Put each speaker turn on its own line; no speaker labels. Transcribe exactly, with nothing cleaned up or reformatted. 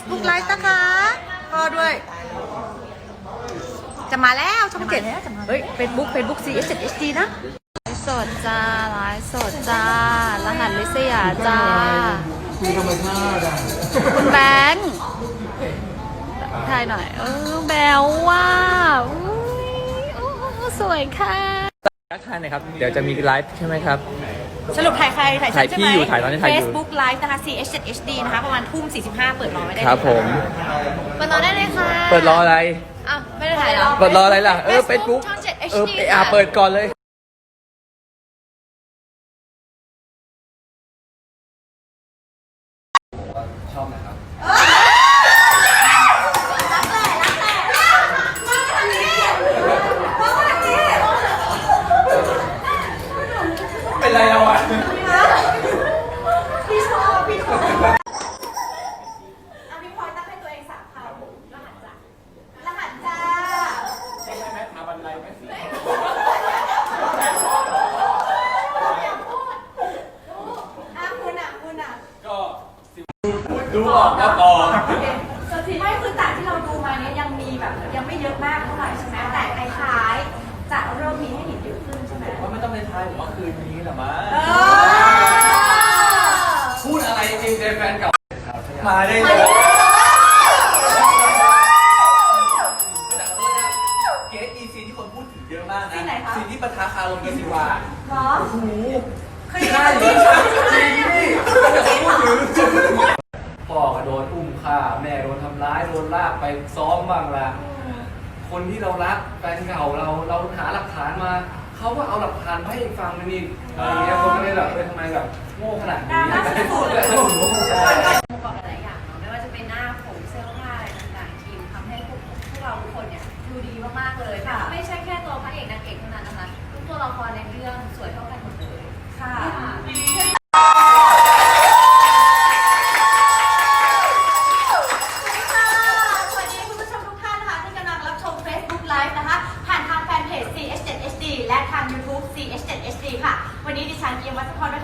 Facebook Live นะคะพ่อด้วย จะมาแล้วช่องเจ็ดเฮ้ย Facebook Facebook ซี เอส เจ็ด เอช ดี นะไลฟ์สดจ้าไลฟ์สดจ้ารหัสลิศยาจ้า
คือธรรมชาติอ่ะ
คุณแบงค์ถ่ายหน่อยเออแบลว่าอุ้ยโอ้สวยค่ะ
ทักทายหน่อยครับเดี๋ยวจะมีไลฟ์ใช่ไหมครับ
สรุปถ่ายใครถ่ายฉันใช่ไหม
ถ่ายพี่อยู่ถ่ายตอนนี้ถ่ายอยู่
Facebook Live นะคะ ซี เอส เจ็ด เอช ดี นะคะประมาณทุ่มสี่สิบห้าเปิดรอไว้ได้
ครับผม
เปิดรอได้เลยค่ะ
เปิดรออะไร
อ้าวไม่ได้ถ่ายหรอ
เปิดรออะไรล่ะเออ
Facebook
Facebook
ช่องเจ็ด เอช
เออ
ดี
อ่ะเปิดก่อนเลยชอบนะครับเป็นไรเราอ่ะ
พี่ชอบพี่ชอบเอาพี่พลอยตั้งให้ตัวเองสามคำรหัสจ้ารหัสจ้า
ใช่ไหมมาบันไดไหมสิ
คุณอ่ะคุณอ่ะ
ก็ดูออกก็บอก
ส่วนที่ไม่คือจากที่เราดูมาเนี้ยยังมีแบบยังไม่เยอะมากเท่าไหร่ใช่ไหมแต่คล้ายๆจะเริ่มมีให้เห็นเยอะขึ้นใช่ไหม
ว่าไม่ต้องในไทยผมว่าคืนนี้แหละมั้งพูดอะไรจริงเจแฟนเก่ามาได้เลยเกสอีซีที่คนพูดถึงเยอะมากนะซีที่ปะทะคารมกันสิวา
เหรอ
โอ้โหใช่จริงจริงนี่จะพูดถึงพ่อก็โดนอุ้มฆ่าแม่โดนทำร้ายโดนลากไปซ้อมบ้างละคนที่เรารักแฟนเก่าเราเราหาหลักฐานมาเขาก็เอาหลักฐานให้ฟังมันนี่อะไรเงี้ยคนก็เลยแบบเออทำไมแบบโง่ขนาดนี้
ประกอบหลายอย่างเนาะไม่ว่าจะเป็นหน้าผมเสื้อผ้าอะไรต่างๆทีมทำให้พวกพวกเราทุกคนเนี่ยดูดีมากๆเลยค่ะไม่ใช่แค่ตัวพระเอกนางเอกเท่านั้นนะคะทุกตัวละครในเรื่องสวยเท่ากันหมดเลยค่ะสวัสดีคุณผู้ชมทุกท่านนะคะที่กำลังรับชม Facebook Live นะคะผ่านทางแฟนเพจ ซี เอช เจ็ด เอช ดี และทาง YouTube ซี เอช เจ็ด เอช ดี ค่ะวันนี้ดิฉันเอียมวัชพร